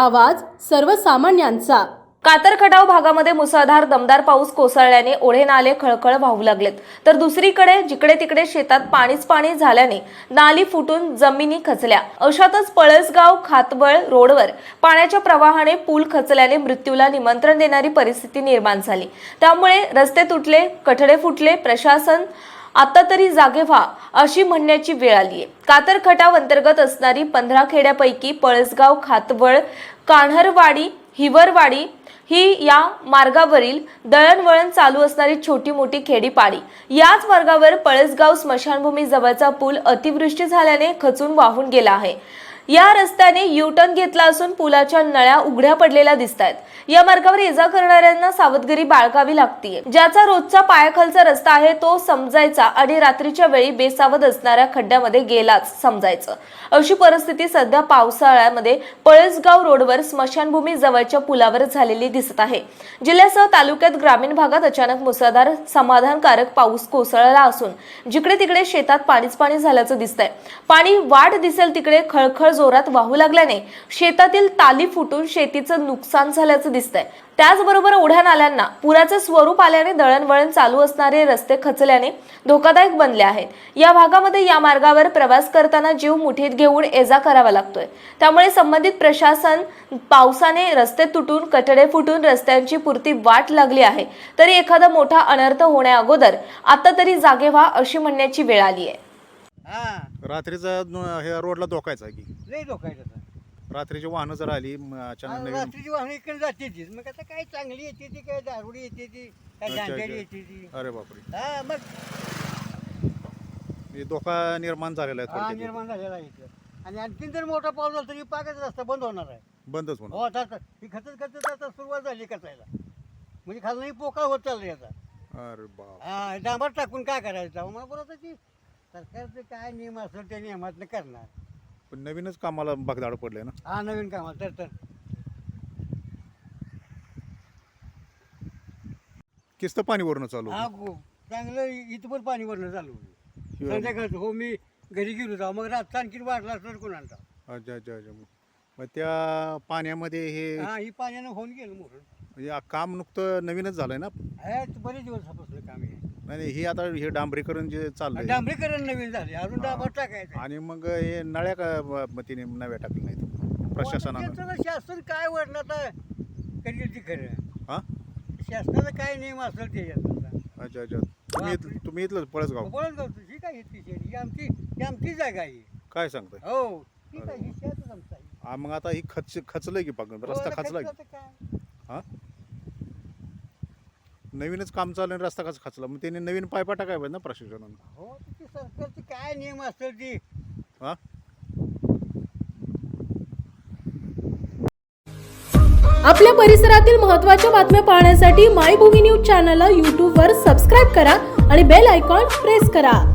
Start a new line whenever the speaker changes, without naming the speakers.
आवाज सर्वसामान्यांचा।
कातर खटाव भागामध्ये मुसळधार दमदार पाऊस कोसळल्याने ओढे नाले खळखळ वाहू लागलेत, तर दुसरीकडे जिकडे तिकडे शेतात पाणीच पाणी झाल्याने नाली फुटून जमिनी खचल्या। अशातच पळसगाव खातवळ रोडवर पाण्याच्या प्रवाहाने पूल खचल्याने मृत्यूला निमंत्रण देणारी परिस्थिती निर्माण झाली। त्यामुळे रस्ते तुटले, कठडे फुटले। प्रशासन आता तरी जागे व्हा अशी म्हणण्याची वेळ आली आहे। कातर खटाव अंतर्गत असणारी 15 खेड्यापैकी पळसगाव, खातवळ, कान्हरवाडी, हिवरवाडी ही या मार्गावरील दळणवळण चालू असणारी छोटी मोठी खेडीपाडी। याच मार्गावर पळसगाव स्मशानभूमी जवळचा पूल अतिवृष्टी झाल्याने खचून वाहून गेला आहे। या रस्त्याने यू-टर्न घेतला असून पुलाच्या नळ्या उघड्या पडलेल्या दिसतात। या मार्गावर ये-जा करणाऱ्यांना सावधगिरी बाळगावी लागते। ज्याचा रोजचा पायाखालचा रस्ता आहे तो समजायचा आणि रात्रीच्या वेळी बेसावध असणाऱ्या खड्ड्यामध्ये गेलाच समजायचं। अशी परिस्थिती सध्या पावसाळ्यामध्ये पळसगाव रोडवर स्मशानभूमी जवळच्या पुलावर झालेली दिसत आहे। जिल्ह्यासह तालुक्यात ग्रामीण भागात अचानक मुसळधार समाधानकारक पाऊस कोसळला असून जिकडे तिकडे शेतात पाणीच पाणी झाल्याचं दिसतंय। पाणी वाढ दिसेल तिकडे खळखळ जोरात वाहू लागल्याने शेतातील ताली फुटून शेतीचं नुकसान झाल्याचं दिसतंय। त्याचबरोबर ओढ्या नाल्यांना पुराचं स्वरूप आल्याने दळणवळण चालू असणारे रस्ते खचल्याने धोकादायक बनले आहेत। या भागामध्ये या मार्गावर प्रवास करताना जीव मुठीत घेऊन ये-जा करावा लागतोय। त्यामुळे संबंधित प्रशासन पावसाने रस्ते तुटून, कठडे फुटून रस्त्यांची पुरती वाट लागली आहे, तरी एखादा मोठा अनर्थ होण्याअगोदर आता तरी जागे व्हा अशी म्हणण्याची वेळ आली आहे।
रात्रीचा हे रोडला धोकायचा की
लई धोकायचा
रात्रीची वाहनं जर आली अचानक नवीन
रात्रीची वाहनं इकडे जाते ती, मग आता काय चांगली येते ती, काय दारुडी येते ती, काय
अच्छा,
झांजडी
अच्छा.
येते ती।
अरे बापरे,
हा मग
हे धोका निर्माण झालेला आहे
हा
थोडक्यात.
निर्माण झालेला आहे इथं. आणि आणखीन जर मोठा पाऊस झाला तरी पाकच रस्ता बंद होणार आहे।
बंदच होणार.
हो आता ही खचत खचत आता सुरुवात झाली कचायला, म्हणजे खालनंही पोकळ होत चाललं याचा।
अरे बाप,
हा डांबर टाकून काय करायचं मला बोलत की सरकारचं काय नियम असेल त्या नियमातनं करणार।
पण नवीनच कामाला बगदाड पडले ना.
हा नवीन कामाला तर
किस्त पाणी वरून चालू
हा चांगलं इथं पण पाणी भरणं चालू होतं। संध्याकाळचं हो मी घरी गेलो जाऊ, मग रातचा आणखी वाढला असणार कोणाला।
अच्छा अच्छा अच्छा. मग त्या पाण्यामध्ये हे
हा ही पाण्यानं होऊन गेलं मोठं,
म्हणजे काम नुकतं नवीनच झालंय ना.
बरेच दिवसापासून काम आहे।
आणि हे आता हे डांबरीकरण जे चाललंय
डांबरीकरण नवीन झाले, अजून डांबर टाकायचं।
आणि मग हे नळ्या का तिने नव्या टाकल्या नाहीत प्रशासनानं.
त्याचं शासन काय वरणार कधी ती खरं
हा
शासनाचा काय नियम असेल त्याच्यात।
अच्छा अच्छा. तुम्ही इथलं पळसगाव
बोलत जाऊ ही काय घेतली शेती, ही आमची जागा आहे।
काय सांगताय?
हो ही काय ही शेतच आमचं आहे।
हा, मग आता ही खचलंय की पाक रस्ता
हो,
खचलाय
आता काय
हा. नवीनच काम चालू आहे, रस्ता कसा खचला? मग त्यांनी नवीन पायपा टाकाय पाहिजे ना प्रशासनानं.
हो ती सरकारची काय नियम असेल ती।
हा.
आपल्या परिसरातील महत्त्वाच्या बातम्या पाहण्यासाठी मायभूमी न्यूज चॅनलला YouTube वर सबस्क्राईब करा आणि बेल आयकॉन प्रेस करा।